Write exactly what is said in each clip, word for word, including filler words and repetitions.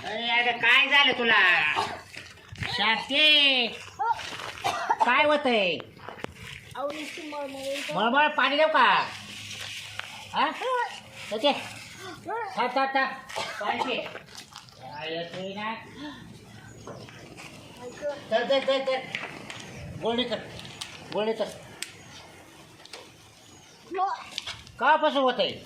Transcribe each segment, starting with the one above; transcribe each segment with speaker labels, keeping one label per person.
Speaker 1: अरे अगं काय झालं तुला शांती काय होतंय मळमळ पाणी देऊ का हा ओके था था था पाणी पी. काय येतोय ना तर तर तर तर गोळणी कर गोळणी कर कापासून होत आहे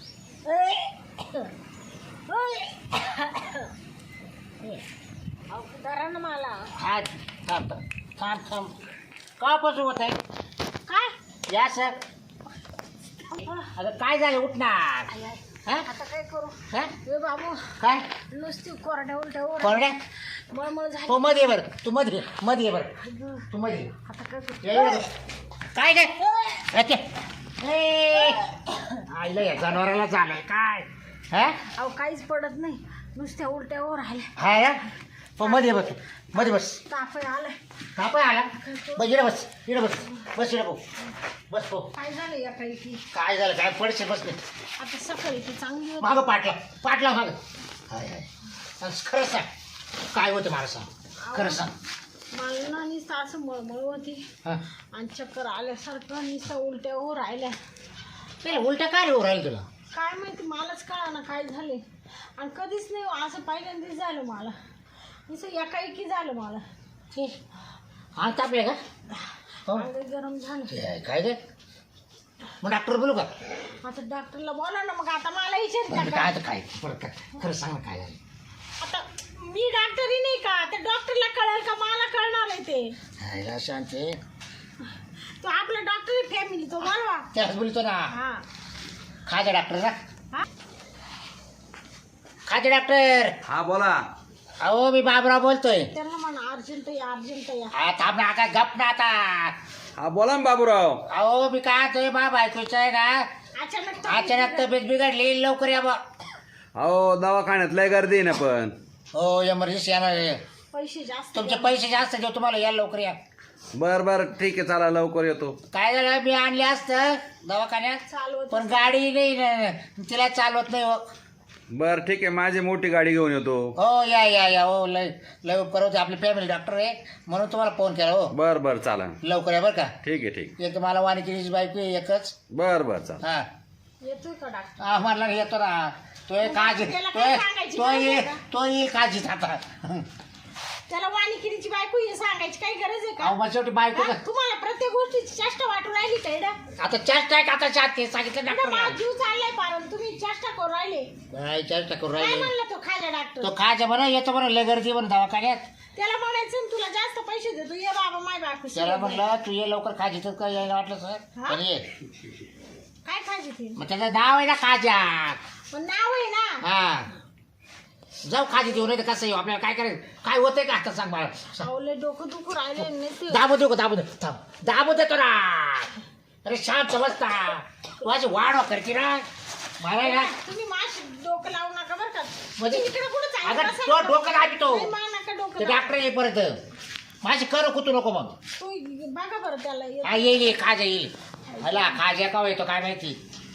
Speaker 2: मला
Speaker 1: हा थांब थांब थांब कापासून होत आहे
Speaker 2: काय
Speaker 1: या सर अगं काय झालं उठणार हा
Speaker 2: आता काय करू
Speaker 1: हा
Speaker 2: ए बाबू
Speaker 1: काय
Speaker 2: नुसती कोरड्या उलट्यावर
Speaker 1: कोरड्या
Speaker 2: मळमळ झाली.
Speaker 1: तो मध्ये ये बरं तू मध्ये ये, मध्ये ये बरं तू मध्ये ये.
Speaker 2: आता काय करू
Speaker 1: ये ये बरं. काय काय अच्छा ए आईला या जनावराला झालंय काय हा
Speaker 2: अहो काहीच पडत नाही नुसत्या उलट्यावर राहिल्या
Speaker 1: हा या तो मध्ये ये बस मध्ये बस
Speaker 2: ताप आलाय
Speaker 1: का पण आला बस इकडे बस इकडे बस बस इकडे भाऊ बस भाऊ
Speaker 2: काय झालं या काही की
Speaker 1: काय झालं काय पडशे बसले
Speaker 2: आता सकाळी ती चांगली होती.
Speaker 1: मागं पाटला पाटला मागं हाय हाय आणि खरं सांग काय होतं मला सांग खरं सांग
Speaker 2: मला ना नुसतं असं मळमळ होती
Speaker 1: हां
Speaker 2: आणि चक्कर आल्यासारखं नुसतं उलट्यावर राहिल्या
Speaker 1: ते उलट्या काय रे राहील तुला
Speaker 2: काय माहिती मलाच कळा ना काय झाले आणि कधीच नाही असं पहिल्यांदाच झालं मला नुसतं एकाएकी झालं मला
Speaker 1: ते हा तापले का हो
Speaker 2: अंग गरम झालं
Speaker 1: ते काय रे मग डॉक्टर बोलू का
Speaker 2: आता डॉक्टरला बोला ना मग आता मला विचारता
Speaker 1: बरं,
Speaker 2: का
Speaker 1: काय तर काय बरं काय खरं सांग ना काय झालं
Speaker 2: आता मी डॉक्टरही नाही का त्या डॉक्टरला कळेल का मला कळणार आहे ते
Speaker 1: हायला शांती
Speaker 2: तो आपला डॉक्टर फॅमिली तो बोलवा
Speaker 1: त्याच बोलतो ना
Speaker 2: हा
Speaker 1: खाजा डॉक्टर ना
Speaker 2: हा
Speaker 1: खाजा डॉक्टर
Speaker 3: हा बोला.
Speaker 1: अहो मी बाबराव बोलतोय
Speaker 2: त्यांना म्हणा अर्जंट या अर्जंट या
Speaker 1: हा थांब ना आता गप ना आता
Speaker 3: हा बोला ना बाबूराव.
Speaker 1: अहो मी काय तुम्ही बा बायकोचं आहे ना
Speaker 2: अचानक
Speaker 1: अचानक तब्येत बिघडली लवकर या बा
Speaker 3: अहो दवाखान्यात लय गर्दी आहे ना पण.
Speaker 1: हो एमर्जन्सी येणार आहे.
Speaker 2: पैसे जास्त
Speaker 1: तुमचे पैसे जास्त देऊ तुम्हाला या लवकर या
Speaker 3: बर बर ठीक आहे चला लवकर येतो.
Speaker 1: काय झालं मी आणले असतं दवाखान्यात
Speaker 2: चालवत
Speaker 1: पण गाडी नाही ना, तिला चालवत नाही हो
Speaker 3: बर ठीक आहे माझी मोठी गाडी घेऊन येतो.
Speaker 1: हो या या या हो लय लय परत आपली फॅमिली डॉक्टर आहे म्हणून तुम्हाला फोन केला हो
Speaker 3: बर बर चाला.
Speaker 1: लवकर या बरं का
Speaker 3: ठीक आहे ठीक.
Speaker 1: एक मला वाणिकीची बायको आहे एकच
Speaker 3: बर बर चाला.
Speaker 1: हा
Speaker 2: येतोय का डॉक्टर
Speaker 1: हा मला येतो ना तो एक काळजी
Speaker 2: त्याला
Speaker 1: तो
Speaker 2: काय
Speaker 1: एक-
Speaker 2: सांगायची
Speaker 1: तो
Speaker 2: गरज आहे
Speaker 1: येईल
Speaker 2: का?
Speaker 1: तो येईल काळजीत आता
Speaker 2: त्याला वाणिकिरीची बायको हे सांगायची काही गरज आहे
Speaker 1: अहो
Speaker 2: का
Speaker 1: मग शेवटी बायको
Speaker 2: हा? तुम्हाला प्रत्येक गोष्टीची चेष्टा वाटून राहिली का इडा
Speaker 1: आता चेष्टा आहे का आता चाहते सांगितलं
Speaker 2: इडा
Speaker 1: डॉक्टरला
Speaker 2: माझा जीव चाललाय पारण तुम्ही चेष्टा करू राहिले
Speaker 1: काय चेष्टा करू
Speaker 2: काय
Speaker 1: राहिले
Speaker 2: म्हणला तो खाजा डॉक्टर
Speaker 1: तो खायचं बरं येतो बरं लय गर्दी बरं दवाखान्यात
Speaker 2: त्याला म्हणायचं ना, तुला जास्त पैसे देतो ये बाबा माय बायको
Speaker 1: त्याला
Speaker 2: शिवाय.
Speaker 1: म्हणलं तू ये लवकर खाजी तर काय यायला वाटलं सर
Speaker 2: हा?
Speaker 1: पण ये
Speaker 2: काय खायचे ते
Speaker 1: मग त्याचं नाव आहे ना खाजा
Speaker 2: पण नाव आहे ना
Speaker 1: हा जाऊ खाजी देऊ नाही तर कसं येऊ आपल्याला काय करायचं काय होतंय का आता सांग मला सांग.
Speaker 2: सावले डोकं दुखू राहिले नाही ते
Speaker 1: दाबू देऊ का दाबू दे थांब दाबू देतो ना अरे शांत बसता तू अशी वाढ करते ना मला ना
Speaker 2: तुम्ही माश डोकं लावू नका बरं का
Speaker 1: म्हणजे
Speaker 2: इकडे कुठं
Speaker 1: अगं
Speaker 2: चाललं
Speaker 1: तो डोकं दाबितो
Speaker 2: नाही, मा नका डोकं
Speaker 1: ते
Speaker 2: लावू.
Speaker 1: डॉक्टर येईल परत माझी कर कुतू नको मग
Speaker 2: तू बघा बरं त्याला येत-
Speaker 1: हा येईल येईल खाजा येईल हला खाजा का येतो काय माहिती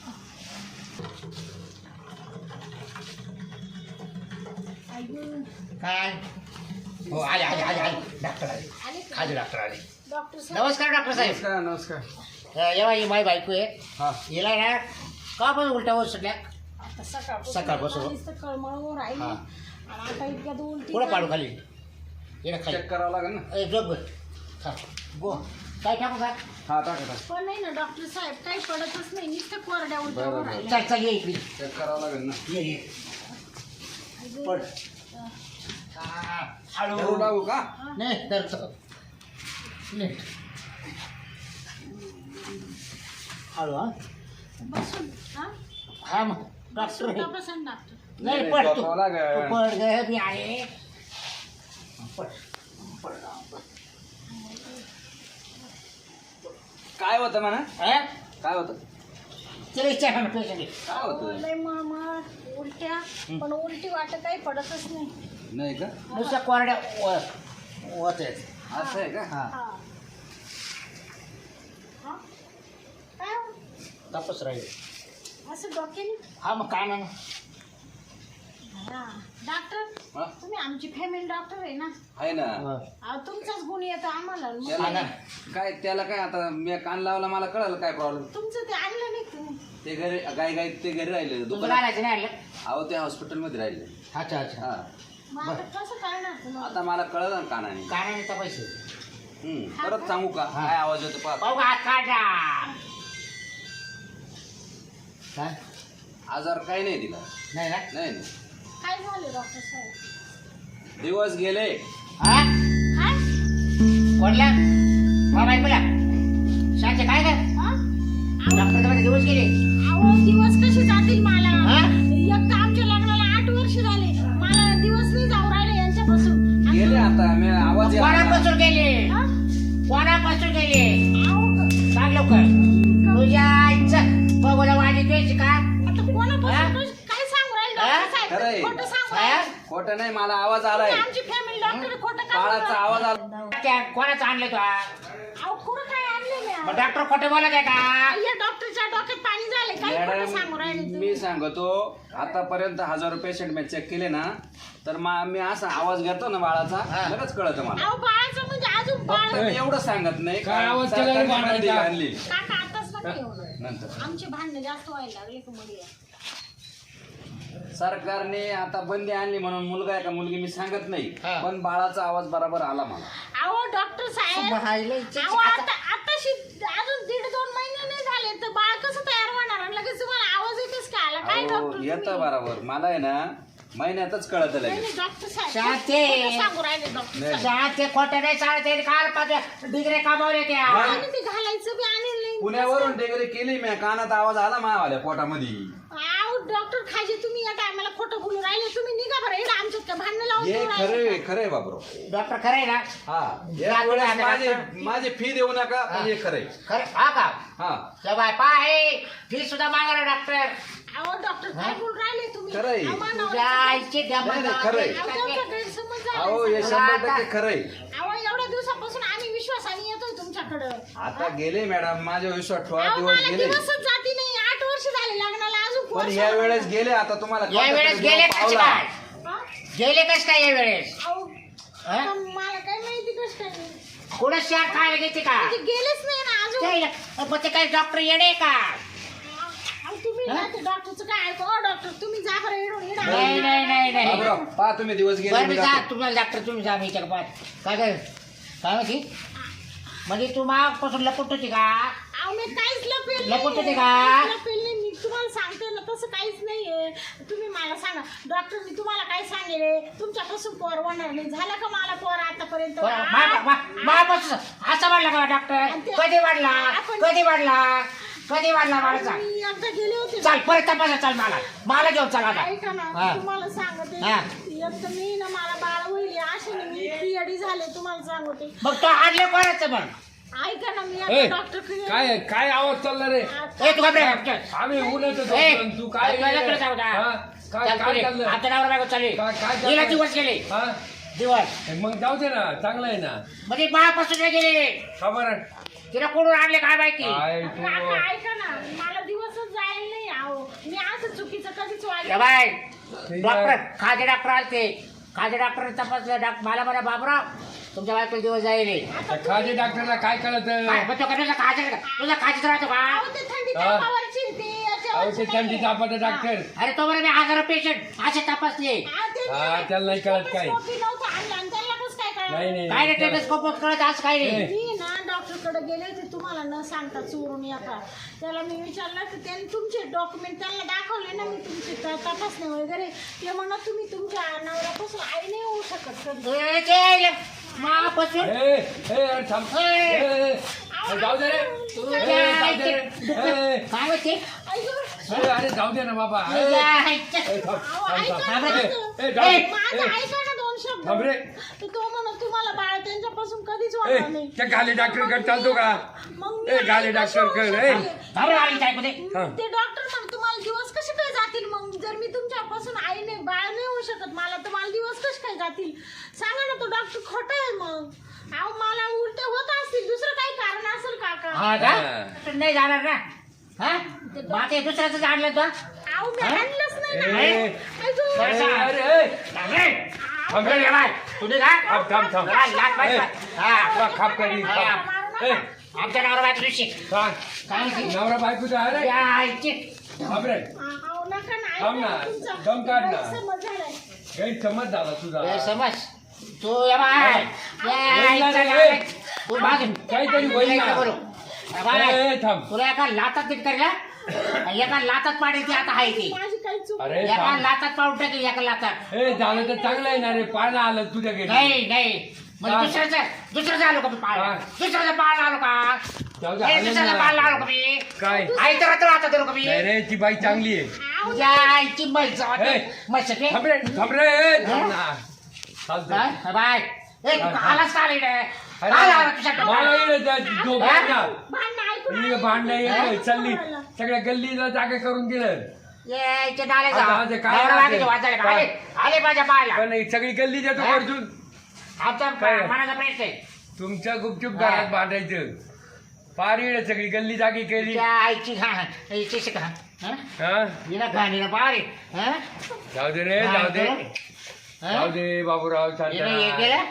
Speaker 2: ऐकून
Speaker 1: काय हो आले आले आले आले डॉक्टर आले
Speaker 2: आले का?
Speaker 1: खाजे डॉक्टर आले
Speaker 2: डॉक्टर साहेब
Speaker 1: नमस्कार डॉक्टर साहेब
Speaker 3: नमस्कार नमस्कार.
Speaker 1: अ, येवा ही माई बायको आहे
Speaker 3: हा
Speaker 1: हिला ना का पण उलट्या होत सुटल्या
Speaker 2: आता सकाळपासून
Speaker 1: सकाळपासून.
Speaker 2: मला नुसतं कळमळून राहिली
Speaker 1: हा.
Speaker 2: आणि आता इतक्यात उलटी
Speaker 1: पुढं पाडू
Speaker 2: झाली.
Speaker 1: खाली येणं खाली
Speaker 3: चेक करावं लागेल ना.
Speaker 1: ए जोग बर हा गो काय टाकू का
Speaker 3: हा टाका टाका.
Speaker 2: पण नाही ना डॉक्टर साहेब काही पडतच नाही नुसतं कोरड्या
Speaker 3: बरं,
Speaker 2: उलट्यावर
Speaker 3: बरं.
Speaker 2: राहिल्या.
Speaker 1: चल चल ये इकडे
Speaker 3: चेक करावं लागेल ना.
Speaker 1: ये ये
Speaker 2: अगं,
Speaker 1: पड
Speaker 2: अं,
Speaker 1: हा,
Speaker 3: धरू
Speaker 1: हळू
Speaker 3: लागू का.
Speaker 1: नाही धरतो नीट हळू हा
Speaker 2: बसून हा
Speaker 1: हा मग डॉक्टर आहे.
Speaker 2: बसून डॉक्टर
Speaker 1: नाही
Speaker 3: नाही,
Speaker 1: पड तू
Speaker 3: झोपावं लागेल.
Speaker 1: तू पड ग मी आहे पड पड
Speaker 3: काय होतं म्हणा.
Speaker 1: हा?
Speaker 3: काय होतं.
Speaker 1: तिला विचार ना पेशंट
Speaker 3: काय होतं.
Speaker 2: लय मळमळ उलट्या पण उलटी वाटत काही पडतच नाही
Speaker 3: नाही का.
Speaker 1: नुसत्या कोरड्या होत आहेत
Speaker 3: असं आहे का.
Speaker 1: हा
Speaker 2: हा हा? काय हो?
Speaker 1: तापच राहील
Speaker 2: असं डोक्याने
Speaker 1: हा मग काय ना
Speaker 2: हा. डॉक्टर
Speaker 3: हा?
Speaker 2: तुम्ही आमची फॅमिली डॉक्टर आहे ना
Speaker 3: आहे ना
Speaker 2: अहो, तुमचाच गुण येतो आम्हाला मग
Speaker 3: त्याला काय त्याला काय आता मी कान लावला मला कळलं काय प्रॉब्लेम
Speaker 2: तुमचं ते आणलं नाही तुम्ही
Speaker 3: ते घरी गाय गाय ते घरी राहिले
Speaker 1: तुमचं
Speaker 3: दुकानात
Speaker 1: राहायचं नाही आणलं
Speaker 3: अहो ते हॉस्पिटल मध्ये राहिले
Speaker 1: अच्छा अच्छा
Speaker 3: हा
Speaker 2: मग आता कसं करणार तुम्हाला
Speaker 3: आता मला कळलं ना कानाने
Speaker 1: काय नाही तर पैसे
Speaker 3: हम्म परत सांगू का काय आवाज येतो पाहतो
Speaker 1: पाहू का हात काढा काय
Speaker 3: आजार काही नाही दिला
Speaker 1: नाही ना
Speaker 3: नाही नाही
Speaker 2: काय झालं डॉक्टर साहेब
Speaker 3: दिवस गेले
Speaker 1: हा
Speaker 2: काय
Speaker 1: कोणला बाबा ऐकूया शांत काय का
Speaker 2: हा?
Speaker 1: डॉक्टर मध्ये दिवस गेले
Speaker 2: अहो दिवस कसे जातील मला
Speaker 1: हा?
Speaker 2: एक तर आमच्या लग्नाला आठ वर्ष झाले मला दिवस नाही जाऊ राहिले यांच्यापासून आणि-
Speaker 3: गेले आता मी आवाज यायला लागला.
Speaker 1: कोणापासून गेले
Speaker 2: हा?
Speaker 1: कोणापासून गेले
Speaker 2: अहो, क-
Speaker 1: सांग लवकर तुझ्या आईचं बघूला वाणी द्यायची का
Speaker 2: आता
Speaker 1: हा?
Speaker 2: कोणापासून कश- काय सांगू राहिले
Speaker 1: हा?
Speaker 2: डॉक्टर
Speaker 3: खरंय.
Speaker 2: साहेब खोटं सांगू
Speaker 1: हा?
Speaker 2: राहिले.
Speaker 3: खोटं नाही मला आवाज आलाय
Speaker 2: तुम्ही आमची फॅमिली डॉक्टर खोटं का
Speaker 3: बाळाचा
Speaker 2: बोलता?
Speaker 3: आवाज आला
Speaker 1: त्या कोणाचं आणलं तू
Speaker 2: अहो कुठं काय आणले मी
Speaker 1: मग डॉक्टर खोटं बोलत आहे का
Speaker 2: या डॉक्टरच्या डोक्यात पाणी झाले काय खोटं सांगू राहिले
Speaker 3: मॅडम
Speaker 2: तुम्ही?
Speaker 3: मी सांगतो आतापर्यंत हजारो पेशंट मी चेक केले ना तर मा- मी असा आवाज घेतो ना बाळाचा
Speaker 1: हा.
Speaker 3: लगेच कळतं मला
Speaker 2: अहो बाळाचं म्हणजे अजून बाळ
Speaker 3: फक्त मी एवढं सांगत नाही
Speaker 4: काय
Speaker 3: कारण
Speaker 4: आवाज केला रे
Speaker 3: सरकारने
Speaker 4: बाळाचा?
Speaker 3: बंदी आणली
Speaker 2: काका आताच नका एवढं
Speaker 3: नंतर
Speaker 2: आमचे भांडणं जास्त व्हायला लागले की मध्ये
Speaker 3: सरकारने आता बंदी आणली म्हणून मुलगा आहे का मुलगी मी सांगत नाही
Speaker 1: हा.
Speaker 3: पण बाळाचा आवाज बरोबर आला मला
Speaker 2: अहो डॉक्टर साहेब अहो आता आताशी अजून दीड दोन महिने नाही झाले तर बाळ कसं तयार होणार आणि लगेच तुम्हाला आवाज येतेच का आला काय
Speaker 3: अहो,
Speaker 2: डॉक्टर
Speaker 3: येतं
Speaker 2: तुम्ही?
Speaker 3: बरोबर मला आहे ना महिन्यातच कळत
Speaker 2: नाही,
Speaker 3: लगेच
Speaker 2: नाही, डॉक्टर साहेब
Speaker 1: शांती.
Speaker 2: खोटं सांगू राहिले डॉक्टर
Speaker 3: नाही.
Speaker 2: साहेब
Speaker 1: शाळेत ते खोटं नाही शाळेत ते काल पाच डिग्री कमावले त्या
Speaker 2: आणि ते घालायचं बी आणलं नाही
Speaker 3: पुण्यावरून डिग्री केली मी कानात आवाज आला मावाल्या पोटामध्ये
Speaker 2: अहो डॉक्टर खाजे तुम्ही या टायमाला खोटं बोलू राहिले तुम्ही निघा बरं इकडं आमच्यात काय भांडणं लावून
Speaker 3: हे
Speaker 2: देऊ राहिले
Speaker 3: खरे
Speaker 2: का?
Speaker 3: खरे बाबरो
Speaker 1: डॉक्टर खरं आहे ना
Speaker 3: हा
Speaker 1: जा
Speaker 3: या वेळेस
Speaker 1: तुम्ही
Speaker 3: माझे
Speaker 1: आता-
Speaker 3: माझी फी देऊ नका पण हे खरे
Speaker 1: खरं हा का
Speaker 3: हा
Speaker 1: बाय पाय फी सुद्धा मागा डॉक्टर
Speaker 2: अहो डॉक्टर काय बोलू राहिले तुम्ही
Speaker 3: खरं आहे.
Speaker 2: अहो, मानवाला-
Speaker 1: तुझ्या आईची
Speaker 3: नाही, नाही, खरं आहे.
Speaker 2: अहो, तुमचा गैरसमज झाला
Speaker 3: अहो हे
Speaker 2: सगळा.
Speaker 3: शंभर टक्के खरंय
Speaker 2: अहो एवढ्या दिवसापासून आम्ही विश्वासाने येतोय तुमच्याकडं
Speaker 3: आता गेले मॅडम माझ्या विश्वास ठेवा
Speaker 2: अहो,
Speaker 3: दिवस
Speaker 2: मला
Speaker 3: गेले
Speaker 2: दिवसच जाती नाही आठ वर्ष झाले लग्नाला अजून
Speaker 3: पण
Speaker 2: वर्ष
Speaker 3: या
Speaker 2: झालं.
Speaker 3: वेळेस गेले आता तुम्हाला
Speaker 1: या
Speaker 3: कोणत्या
Speaker 1: वेळेस
Speaker 3: तरी
Speaker 1: गेले
Speaker 3: देव
Speaker 1: कसे
Speaker 3: पावला.
Speaker 1: काय
Speaker 2: हा?
Speaker 1: गेले कस काय या वेळेस
Speaker 2: अहो,
Speaker 1: हा?
Speaker 2: आता मला काय माहिती कसं काय नाही.
Speaker 1: कुठं शाळ खायला घेते का
Speaker 2: म्हणजे गेलेच नाही ना अजून
Speaker 1: ते- मग ते काही डॉक्टर येणे का
Speaker 2: अहो, तुम्ही ना ते डॉक्टरचं काय ऐकू अहो, डॉक्टर तुम्ही जा बरं येडून येडा.
Speaker 1: नाही नाही नाही नाही
Speaker 3: बाबराव, पहा तुम्ही दिवस गेले
Speaker 1: बरं
Speaker 3: मी
Speaker 1: मी जा
Speaker 3: जातो.
Speaker 1: तुम्हाला डॉक्टर तुम्ही जा मी पाहत काय काय काय माहिती म्हणजे तू मागपासून लपट होती का
Speaker 2: अहो, मी काहीच लपेल
Speaker 1: लपवत
Speaker 2: नाहीये.
Speaker 1: होते का?
Speaker 2: काहीच लपेल नाही मी तुम्हाला सांगते ना तसं काहीच नाहीये तुम्ही मला सांगा डॉक्टर मी तुम्हाला काय सांगेल तुमच्यापासून पोर होणार नाही झालं का मला पोर आतापर्यंत
Speaker 1: मापासून असं वाढला का डॉक्टर कधी वाढला कधी वाढला कधी वाढला माझा
Speaker 2: मी एकदा गेले होते
Speaker 1: चाल परत तपासा चाल मला मला घेऊन चाल आता
Speaker 2: ऐका ना
Speaker 1: हा.
Speaker 2: तुम्हाला सांगते
Speaker 1: हा.
Speaker 2: एक तर मी ना मला बाळ होईल असे ना मी पिरियडी झाले तुम्हाला सांगते
Speaker 1: मग तो आणले कोणाचं मग
Speaker 2: ऐका ना मी
Speaker 4: ए,
Speaker 2: आता डॉक्टर
Speaker 4: काय काय आवाज चालला रे
Speaker 1: ए तू घाबरे
Speaker 4: आम्ही उन्हात
Speaker 1: ए,
Speaker 4: होतो, तू काय
Speaker 1: तुझ्याकडे जाऊ द्या.
Speaker 4: हा? काय
Speaker 1: चाल
Speaker 4: काय
Speaker 1: पुढे.
Speaker 4: चाललंय
Speaker 1: आता नवरा बायको चालली
Speaker 4: काय काय
Speaker 1: गेला
Speaker 4: चाललंय?
Speaker 1: दिवस गेले
Speaker 4: हा?
Speaker 1: दिवस
Speaker 4: मग जाऊ दे ना चांगलं आहे ना
Speaker 1: म्हणजे बाळापासून नाही गेले
Speaker 4: खबर
Speaker 1: तिला कोणून आणले काय माहिती
Speaker 4: काय तू
Speaker 2: काका, ऐका ना मला दिवसच जायला नाही आहो मी असं चुकीचं कधीच
Speaker 1: ए
Speaker 2: वागलं
Speaker 1: बाय
Speaker 4: ठीक
Speaker 1: डॉक्टर
Speaker 4: आहे.
Speaker 1: खाजे डॉक्टर आलते खाजे डॉक्टर तपासलं डॉक्टर मला म्हणा बाबराव तुमच्या बायको दिवस जाईल
Speaker 4: त्या खाजे डॉक्टरला काय कळत
Speaker 1: काय मग तो का तुझा खाजे तुझा खाजीच राहतो का
Speaker 2: अहो, ते थंडी
Speaker 4: हा.
Speaker 2: तापावरची ते याच्यावरची
Speaker 4: अहो ते थंडी
Speaker 2: नाही.
Speaker 4: तापाचं डॉक्टर
Speaker 1: अरे तो बरं मी हजार पेशंट असे तपासले
Speaker 2: हा, ते
Speaker 4: हा,
Speaker 2: नाही.
Speaker 4: त्याला नाही कळत काय.
Speaker 2: टेलिस्कोपी नव्हतं आणलं आणि त्याला कसं काय कळलं?
Speaker 4: नाही नाही
Speaker 1: काय रे टेलिस्कोप कळत आज काय रे
Speaker 4: ए.
Speaker 2: मी ना डॉक्टरकडे गेले होते तुम्हाला न सांगता चोरून येता त्याला मी विचारलं तर त्यांनी तुमचे डॉक्युमेंट त्यांना दाखवले ना मी तुमचे त- तपासणे वगैरे ते म्हणत तुम्ही तुमच्या नवऱ्यापासून आई नाही होऊ शकत कधी.
Speaker 1: ए, ते मापासून
Speaker 4: ए ए अरे थांब ए, ए, ए, जाऊ दे रे
Speaker 1: तुझ्या
Speaker 4: ए, जाऊ दे रे.
Speaker 1: आईचे-
Speaker 4: ए,
Speaker 1: काय होते
Speaker 2: ऐका,
Speaker 4: ए, अरे जाऊ दे ना बाबा ए,
Speaker 1: तुझ्या
Speaker 4: ए,
Speaker 1: आईचे-
Speaker 4: थांब,
Speaker 2: अहो,
Speaker 4: थांब,
Speaker 2: ऐका
Speaker 4: थांब.
Speaker 2: ना.
Speaker 4: ए, ए, जाऊ दे.
Speaker 1: ए,
Speaker 2: माझं
Speaker 4: ए,
Speaker 2: ऐका ना दोन शब्द
Speaker 4: थांब रे.
Speaker 2: तर तो म्हणत तुम्हाला बाळ त्यांच्यापासून कधीच
Speaker 4: ए,
Speaker 2: वाटणार नाही
Speaker 4: त्या गाली डॉक्टरकडे चालतो का
Speaker 2: मग मी
Speaker 4: ए, गाली
Speaker 2: आई कशी
Speaker 4: डॉक्टरकडे,
Speaker 2: होऊ
Speaker 4: ए.
Speaker 2: शकते?
Speaker 1: थांब रे, आली काय मध्ये
Speaker 4: थांब.
Speaker 2: ते डॉक्टर म्हण तुम्हाला दिवस कसे काय जातील मग जर मी तुमच्यापासून आई नाही बाळ नाही होऊ शकत मला तर मला दिवस कसे काय जातील सांगा ना तो डॉक्टर खोटा आहे मग अहो मला उलटे होत असतील दुसरं काही कारण असेल काका
Speaker 1: हा का
Speaker 4: हा.
Speaker 1: नाही जाणार ना हा मग ते दुसऱ्याच आणलं तो
Speaker 2: अहो मी
Speaker 1: हा?
Speaker 2: आणलंच नाही
Speaker 4: ए.
Speaker 2: ना ऐकू.
Speaker 1: बरं, सांग.
Speaker 4: अरे थांब रे.
Speaker 1: ए, बाय, तू निघा.
Speaker 4: थांब थांब थांब
Speaker 1: हा, लाथ मार.
Speaker 4: ए,
Speaker 1: हा.
Speaker 4: तुला खाप करी थांब. ए,
Speaker 1: आमच्या नवरा बायको दिवशी
Speaker 4: सांग.
Speaker 1: काय म्हणते?
Speaker 4: नवरा बायकोचा आहे रे.
Speaker 1: या आईची.
Speaker 4: थांब रे.
Speaker 2: अहो, नका ना,
Speaker 4: थांब ना.
Speaker 2: ऐका तुमचा
Speaker 4: दम काढ ना.
Speaker 2: गैरसमज झालाय.
Speaker 4: गैरसमज झाला तुझा.
Speaker 1: ए, समज तू या बाय या
Speaker 4: बोल ना
Speaker 1: आईचा
Speaker 4: रे.
Speaker 1: लाथ. तू मागे
Speaker 4: काहीतरी बोल ना.
Speaker 1: बोलू. या बाय.
Speaker 4: ए, ए, थांब.
Speaker 1: तुला एका लातात नीट करीला एका लातात पाडायची आता आहे ती
Speaker 2: माझी काही चूक
Speaker 4: अरे
Speaker 1: एका
Speaker 4: थांब.
Speaker 1: लातात पाडून टाकेल एका लातात
Speaker 4: ए झालं तर चांगलं आहे ना रे. पाळणं आलं तुझ्या घरी.
Speaker 1: नाही नाही म्हणजे
Speaker 4: हा.
Speaker 1: दुसऱ्याचं दुसऱ्याचं आलो का मी पाळ
Speaker 4: हा.
Speaker 1: दुसऱ्याचं पाळ आलो का
Speaker 4: जाऊ दे,
Speaker 1: ए,
Speaker 4: आलं
Speaker 1: दुसऱ्याचं
Speaker 4: ना.
Speaker 1: पाळ आलो का मी
Speaker 4: काय
Speaker 1: आई तर आता आता करू का मी
Speaker 4: नाही रे ती बाई चांगली आहे.
Speaker 2: अहो,
Speaker 1: तुझ्या आईची मैच
Speaker 4: ए.
Speaker 1: मस्त
Speaker 4: थांब रे थांब रे. ए, थांब ना. चालतंय.
Speaker 1: बाय ए
Speaker 4: हा, हा.
Speaker 1: आलाच का आली रे
Speaker 4: अरे,
Speaker 1: काय आला तुझ्या
Speaker 4: मला
Speaker 1: डोक्यात?
Speaker 4: येणं त्या झोप
Speaker 1: हा?
Speaker 4: येत ना.
Speaker 2: भांडणं ऐकून
Speaker 4: ही भांडणं
Speaker 1: हा?
Speaker 4: येत चालली सगळ्या गल्लीला जागा करून दिलं.
Speaker 1: ए, इथे डाले जा.
Speaker 4: आता आता काय
Speaker 1: नवरा
Speaker 4: राहते?
Speaker 1: बायकोचे वाचायला का?
Speaker 4: काय?
Speaker 1: आले आले माझ्या पायाला
Speaker 4: पण ही सगळी गल्ली देतो
Speaker 1: हा?
Speaker 4: अर्जुन.
Speaker 1: आमचा
Speaker 4: काय?
Speaker 1: मनाचा प्रश्न आहे
Speaker 4: तुमच्या गुपचूप
Speaker 1: हा.
Speaker 4: घरात बांधायचं. पार येणं सगळी गल्ली जागी केली.
Speaker 1: तुझ्या आईची घा आईची शिका हा
Speaker 4: हा
Speaker 1: हिला घाणीला पारे हा
Speaker 4: जाऊ दे रे जाऊ दे जाऊ दे बाबूराव शांत
Speaker 1: हिनं हे
Speaker 4: राहा.
Speaker 1: केलं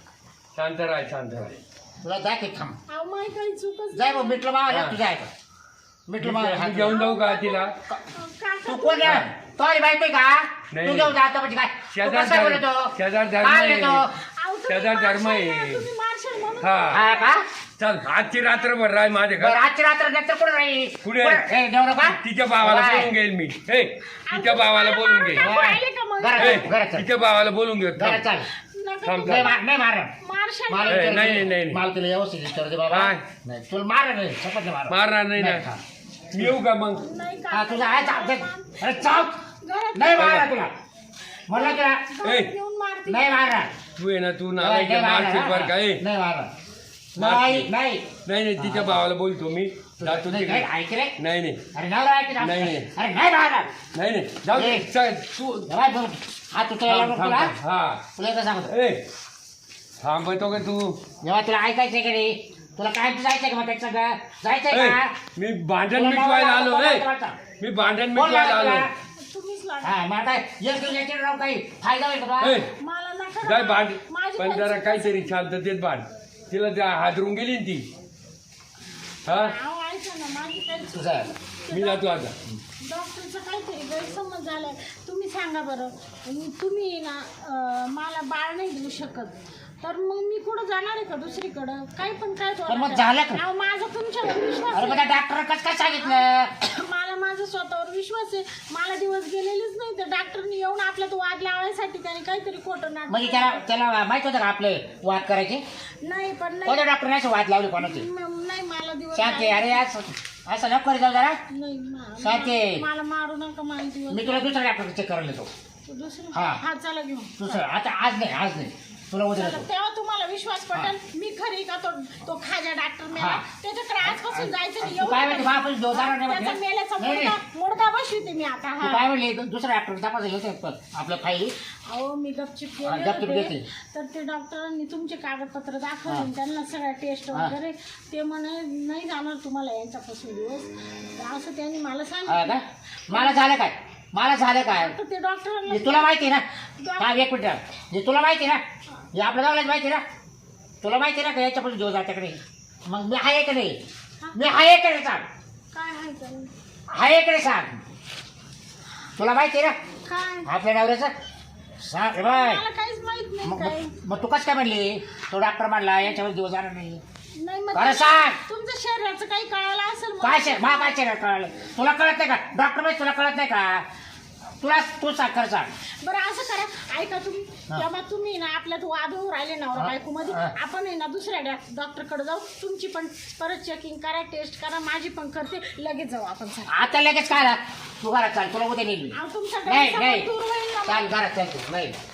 Speaker 4: शांत राहा शांत राहा.
Speaker 1: तुला जा की थांब
Speaker 2: अहो, माझी काही चूकच
Speaker 1: जाय मग मिटलं मावा
Speaker 4: हा.
Speaker 1: तुझ्या ऐका मिटलं मावा
Speaker 4: मी घेऊन जाऊ का तिला?
Speaker 2: काका,
Speaker 1: तू कोण आहे तो अरे बायको आहे का
Speaker 4: नाही.
Speaker 1: तू घेऊन जातो म्हणजे काय तू
Speaker 4: शेजार
Speaker 1: कसा
Speaker 4: धर्म-
Speaker 1: बोलतो
Speaker 4: शेजार धर्म
Speaker 1: काय
Speaker 4: आहे.
Speaker 1: येतो
Speaker 2: अहो, तुम्ही
Speaker 4: शेजार धर्म
Speaker 2: मार्शल
Speaker 4: आहे.
Speaker 2: ना, तुम्ही मार्शल म्हणून
Speaker 4: हा
Speaker 1: हा का
Speaker 4: चल आजची रात्रभर राय माझे
Speaker 1: बरं
Speaker 4: घर.
Speaker 1: आजची रात्र नंतर कुठे राहील
Speaker 4: कुठे?
Speaker 1: हे नवरा का
Speaker 4: तिच्या भावाला
Speaker 1: बाय.
Speaker 4: बोलून घेईल मी. हे तिच्या भावाला बोलून घेईल.
Speaker 2: अहो, पाहिले का मग?
Speaker 1: घरात
Speaker 4: हे,
Speaker 1: चल, घरात चल.
Speaker 4: तिच्या भावाला बोलून घेऊ.
Speaker 1: घरात चाल
Speaker 2: नका
Speaker 4: थांब,
Speaker 2: तुम्ही
Speaker 1: नाही मार नाही मार
Speaker 2: मार्शल
Speaker 1: मला
Speaker 4: ए,
Speaker 1: विचार
Speaker 4: नाही,
Speaker 1: दे.
Speaker 4: नाही, नाही.
Speaker 1: मला तुला व्यवस्थित विचार दे बाबा
Speaker 4: काय?
Speaker 1: नाही तुला मार नाही शपथ नाही मार
Speaker 4: मारणार नाही ना.
Speaker 1: हा.
Speaker 4: मी येऊ का मग?
Speaker 2: नाही
Speaker 1: हा
Speaker 2: काका.
Speaker 1: तुझा आहे चाल अरे चाल
Speaker 2: घरात
Speaker 1: नाही मारणार तुला म्हणलं तुला
Speaker 4: ए.
Speaker 2: घरात येऊन मारते.
Speaker 1: नाही मारणार
Speaker 4: तू ये ना तू
Speaker 1: नाही
Speaker 4: नालायक आहे,
Speaker 1: मारणार,
Speaker 4: मारशील बरं का? ए,
Speaker 1: नाही मारणार
Speaker 4: मारशील.
Speaker 1: नाही नाही
Speaker 4: नाही नाही तिच्या भावाला बोलतो मी जातो
Speaker 1: नाही,
Speaker 4: तिकडे.
Speaker 1: नाही, ऐक रे
Speaker 4: नाही नाही
Speaker 1: अरे नवरा ऐक ना.
Speaker 4: नाही, नाही.
Speaker 1: अरे नाही मारणार
Speaker 4: नाही नाही जाऊ दे
Speaker 1: ए.
Speaker 4: चल, तू
Speaker 1: जरा बोल. हा तू तुला
Speaker 4: थांब,
Speaker 1: लागलो
Speaker 4: थांब,
Speaker 1: तुला
Speaker 4: थांब. हा
Speaker 1: तुला एकच सांगतो
Speaker 4: ए थांबतो का तू?
Speaker 1: जेव्हा तुला ऐकायचंय की नाही तुला काय जायचंय का मग त्याच्या सगळं जायचंय
Speaker 4: ए,
Speaker 1: का
Speaker 4: मी भांडण
Speaker 1: तुला
Speaker 4: मिटवायला
Speaker 1: नवरा
Speaker 4: आलो
Speaker 1: लागला,
Speaker 4: ए
Speaker 1: तुला लागला.
Speaker 4: मी भांडण
Speaker 1: कोण
Speaker 4: मिटवायला
Speaker 1: लागला
Speaker 4: आलो.
Speaker 1: तुला?
Speaker 2: तुम्हीच लागा.
Speaker 1: हा मग आता एक दिवस याच्यावर राहून काही फायदा होईल का
Speaker 4: ए,
Speaker 1: तुला?
Speaker 2: मला नका
Speaker 4: जाय
Speaker 2: ना.
Speaker 4: भांड
Speaker 2: माझी
Speaker 4: पण
Speaker 2: काही
Speaker 4: जरा
Speaker 2: चूक
Speaker 4: काहीतरी शांततेत भांड. तिला त्या हादरून गेली ना ती. हा
Speaker 2: अहो, ऐका ना, माझी काही चूक
Speaker 1: तुझा
Speaker 4: मी जातो आता.
Speaker 2: डॉक्टरचा काहीतरी गैरसमज झालाय. तुम्ही सांगा बरं आणि तुम्ही ना अं, मला बाळ नाही देऊ शकत तर मग मी कुठं जाणार आहे का दुसरीकडं काही पण काय
Speaker 1: पण मग झालं का?
Speaker 2: अहो, माझा तुमच्यावर विश्वास
Speaker 1: अरे
Speaker 2: आहे.
Speaker 1: बघा डॉक्टर कसं काय सांगितलं
Speaker 2: मला माझा स्वतःवर विश्वास आहे. मला दिवस गेलेलेच नाही तर डॉक्टरनी येऊन आपल्यात वाद लावायसाठी त्याने काहीतरी खोटं
Speaker 1: म्हणजे
Speaker 2: नाटक
Speaker 1: त्याला त्याला माहित होतं का आपले वाद करायचे
Speaker 2: नाही पण नाही
Speaker 1: कोणत्या डॉक्टरने असे वाद लावले कोणाचे
Speaker 2: म- नाही मला दिवस
Speaker 1: शांती अरे असं असं नको करी जाऊ जरा
Speaker 2: नाही मा-
Speaker 1: शांती.
Speaker 2: मला मारू नका मला दिवस
Speaker 1: मी तुला दुसऱ्या डॉक्टर चेक करायला येतो
Speaker 2: दुसरं
Speaker 1: हा.
Speaker 2: हा चला घेऊन
Speaker 1: दुसरं आता आज नाही आज नाही तुला उद्या
Speaker 2: चला,
Speaker 1: येतो
Speaker 2: तेव्हा तुम्हाला विश्वास पटेल मी खरी का तो तो खाजा डॉक्टर मेला
Speaker 1: हा.
Speaker 2: त्याच्याकडे आजपासून जायचं नाही.
Speaker 1: तू काय
Speaker 2: एवढं
Speaker 1: म्हणते बाप जो जाणार नाही
Speaker 2: त्याचा
Speaker 1: म्हटलं?
Speaker 2: मेल्याचा
Speaker 1: नाही, नाही.
Speaker 2: मुडका मुडका बसविते मी आता
Speaker 1: तू
Speaker 2: हा
Speaker 1: काय म्हणली दुसऱ्या डॉक्टर तपास येतो आपलं फाईल
Speaker 2: अहो मी गपचिप
Speaker 1: हा,
Speaker 2: गेले
Speaker 1: गपचूप
Speaker 2: होते.
Speaker 1: घेतली.
Speaker 2: तर ते डॉक्टरांनी तुमचे कागदपत्र दाखवले
Speaker 1: हा.
Speaker 2: त्यांना सगळ्या टेस्ट
Speaker 1: हा.
Speaker 2: वगैरे ते म्हणे नाही जाणार तुम्हाला यांच्यापासून दिवस तर असं त्यांनी मला
Speaker 1: हा
Speaker 2: सांगितलं
Speaker 1: का मला झालं काय मला झालं काय
Speaker 2: आता ते डॉक्टरांना
Speaker 1: हे तुला माहिती आहे ना हा एक मिनिट हे तुला माहिती आहे ना हे आपल्या गावालाच माहिती आहे ना तुला माहिती आहे ना का याच्यापासून दिवस जात्याकडे मग मी आहे का नाही मी आहे का नाही सांग
Speaker 2: काय आहे तर?
Speaker 1: आहे का नाही सांग तुला माहिती आहे ना
Speaker 2: काय
Speaker 1: आपल्या नवऱ्याचं सांग रे बाय
Speaker 2: मला काहीच माहित नाही
Speaker 1: मग
Speaker 2: काय
Speaker 1: मग- मग तू कसं काय म्हणली तो डॉक्टर म्हणला याच्यावर दिवस जाणार नाही
Speaker 2: नाही मग
Speaker 1: बरं सांग.
Speaker 2: तुमच्या शरीराचं काही कळालं असेल मग.
Speaker 1: काय शे मा काय शरीर कळलं तुला कळत नाही का डॉक्टर माहिती तुला कळत नाही का तुला तू सांग खरं सांग
Speaker 2: बरं असं करा ऐका तुम्ही
Speaker 1: हा.
Speaker 2: तेव्हा तुम्ही ना आपल्यात वाद होऊन राहिले नवरा
Speaker 1: हा.
Speaker 2: बायको मध्ये
Speaker 1: हा.
Speaker 2: आपण आहे ना दुसऱ्या डॉक्टरकडे जाऊ तुमची पण परत चेकिंग करा टेस्ट करा माझी पण करते लगेच जाऊ आपण सर
Speaker 1: आता लगेच काय तू घरात चाल तुला उद्या नेली
Speaker 2: तुमचा
Speaker 1: नाही
Speaker 2: गैरसमज
Speaker 1: नाही
Speaker 2: दूर होईल ना
Speaker 1: चाल घरात चाल तू नाही